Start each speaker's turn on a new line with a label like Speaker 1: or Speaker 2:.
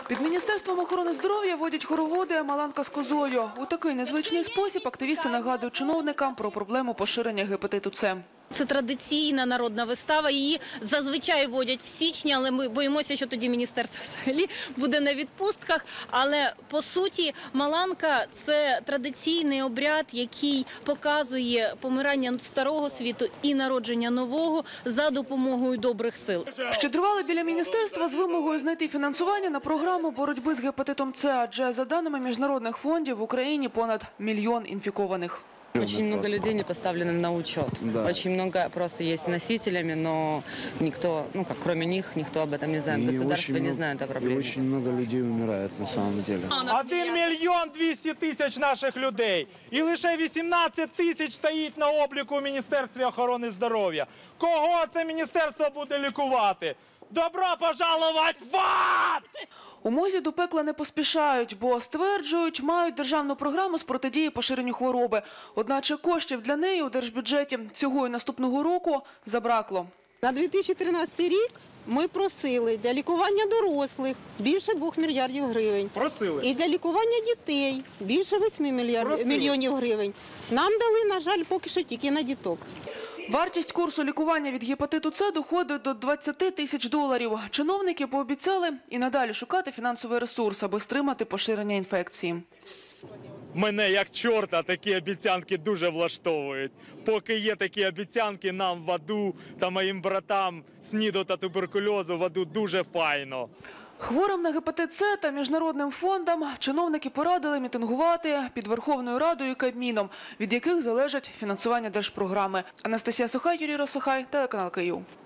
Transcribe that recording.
Speaker 1: Під Міністерством охорони здоров'я водять хороводи «Маланка з козою». У такий незвичний спосіб активісти нагадують чиновникам про проблему поширення гепатиту С.
Speaker 2: Це традиційна народна вистава, її зазвичай водять в січні, але ми боїмося, що тоді міністерство взагалі буде на відпустках. Але, по суті, Маланка – це традиційний обряд, який показує помирання старого світу і народження нового за допомогою добрих сил.
Speaker 1: Щедрували біля міністерства з вимогою знайти фінансування на програму боротьби з гепатитом С, адже, за даними міжнародних фондів, в Україні понад 1 мільйон інфікованих.
Speaker 3: Очень много людей не поставлены на учет. Да. Очень много просто есть носителями, но никто, кроме них, никто об этом не знает. Государство не знает о проблеме.
Speaker 4: И очень много людей умирает на самом деле.
Speaker 5: 1 мільйон 200 тисяч наших людей. І лише 18 тисяч стоїть на обліку у Міністерстві охорони здоров'я. Кого це міністерство буде лікувати? Добро пожаловать в ад!
Speaker 1: У МОЗі до пекла не поспішають, бо, стверджують, мають державну програму з протидії поширенню хвороби. Одначе коштів для неї у держбюджеті цього і наступного року забракло.
Speaker 6: На 2013 рік ми просили для лікування дорослих більше 2 мільярдів гривень.
Speaker 5: Просили.
Speaker 6: І для лікування дітей більше 8 мільйонів гривень. Нам дали, на жаль, поки що тільки на діток.
Speaker 1: Вартість курсу лікування від гепатиту С доходить до 20 тисяч доларів. Чиновники пообіцяли і надалі шукати фінансовий ресурс, аби стримати поширення інфекції.
Speaker 5: Мене, як чорта, такі обіцянки дуже влаштовують. Поки є такі обіцянки, нам в аду та моїм братам з СНІДу та туберкульозу в аду дуже файно.
Speaker 1: Хворим на гепатит С та міжнародним фондам чиновники порадили мітингувати під Верховною Радою і Кабміном, від яких залежить фінансування держпрограми. Анастасія Сухай, Юрій Росухай, телеканал Київ.